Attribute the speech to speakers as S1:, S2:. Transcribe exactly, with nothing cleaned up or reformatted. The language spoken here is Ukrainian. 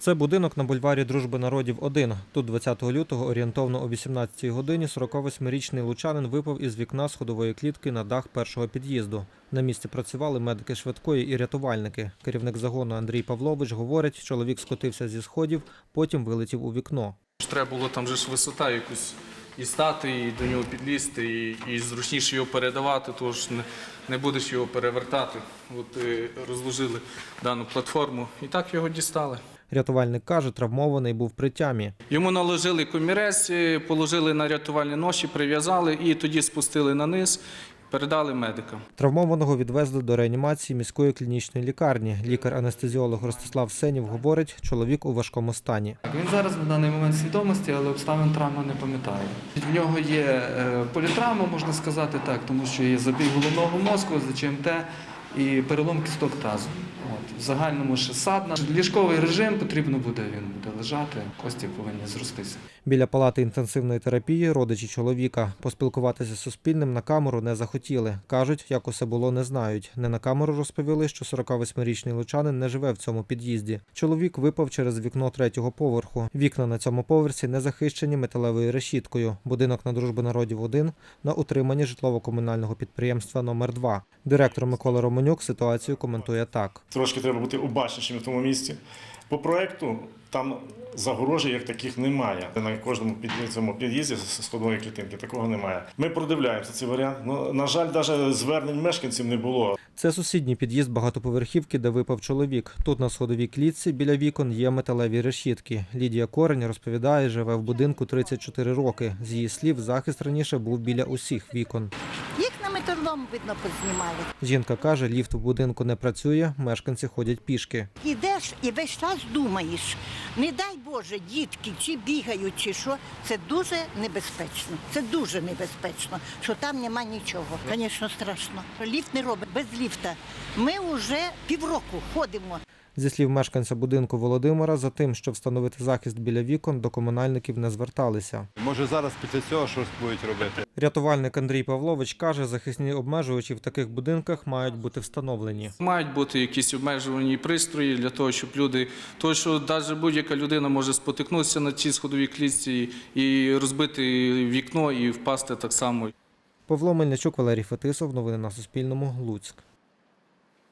S1: Це будинок на бульварі Дружби народів один. Тут двадцятого лютого орієнтовно о вісімнадцятій годині сорокавосьмирічний лучанин випав із вікна сходової клітки на дах першого під'їзду. На місці працювали медики швидкої і рятувальники. Керівник загону Андрій Павлович говорить, чоловік скотився зі сходів, потім вилетів у вікно.
S2: Треба було там же ж висота якусь і стати, і до нього підлізти, і, і зручніше його передавати, тож не, не будеш його перевертати. От і розложили дану платформу і так його дістали.
S1: Рятувальник каже, травмований був при тямі.
S2: Йому наложили комірець, положили на рятувальні ноші, прив'язали і тоді спустили на низ. Передали медикам.
S1: Травмованого відвезли до реанімації міської клінічної лікарні. Лікар-анестезіолог Ростислав Сенів говорить, чоловік у важкому стані.
S3: Він зараз на даний момент свідомості, але обставин травми не пам'ятає. В нього є політравма, можна сказати так, тому що є забій головного мозку, зе че ем те і перелом кісток тазу. От. В загальному ще садна. Ліжковий режим потрібно буде, він буде лежати, кості повинні зростися.
S1: Біля палати інтенсивної терапії родичі чоловіка. Поспілкуватися з Суспільним на камеру не захотіли. Кажуть, як усе було, не знають. Не на камеру розповіли, що сорокавосьмирічний лучанин не живе в цьому під'їзді. Чоловік випав через вікно третього поверху. Вікна на цьому поверсі не захищені металевою решіткою. Будинок на Дружби народів один на утриманні житлово-комунального підприємства номер два. Директор Микола Романюк ситуацію коментує так.
S4: Трошки треба бути обачнішими в тому місці. По проєкту там загорожі як таких немає. На кожному цьому під'їзді з сходової клітинки такого немає. Ми продивляємося цей варіант. Ну, на жаль, навіть звернень мешканців не було.
S1: Це сусідній під'їзд багатоповерхівки, де випав чоловік. Тут на сходовій клітці біля вікон є металеві решітки. Лідія Корень розповідає, живе в будинку тридцять чотири роки. З її слів, захист раніше був біля усіх вікон.
S5: Металом, видно, познімали.
S1: Жінка каже, ліфт в будинку не працює, мешканці ходять пішки.
S5: Ідеш і весь час думаєш, не дай Боже, дітки чи бігають, чи що. Це дуже небезпечно. Це дуже небезпечно, що там нема нічого. Звісно, страшно. Ліфт не робить, без ліфта. Ми вже півроку ходимо.
S1: Зі слів мешканця будинку Володимира, за тим, щоб встановити захист біля вікон, до комунальників не зверталися.
S6: Може зараз після цього щось будуть робити?
S1: Рятувальник Андрій Павлович каже, захисні обмежувачі в таких будинках мають бути встановлені.
S2: Мають бути якісь обмежувальні пристрої для того, щоб люди, тому що навіть будь-яка людина може спотикнутися на цій сходовій клітці і розбити вікно і впасти так само.
S1: Павло Мельничук, Валерій Фетисов. Новини на Суспільному. Луцьк.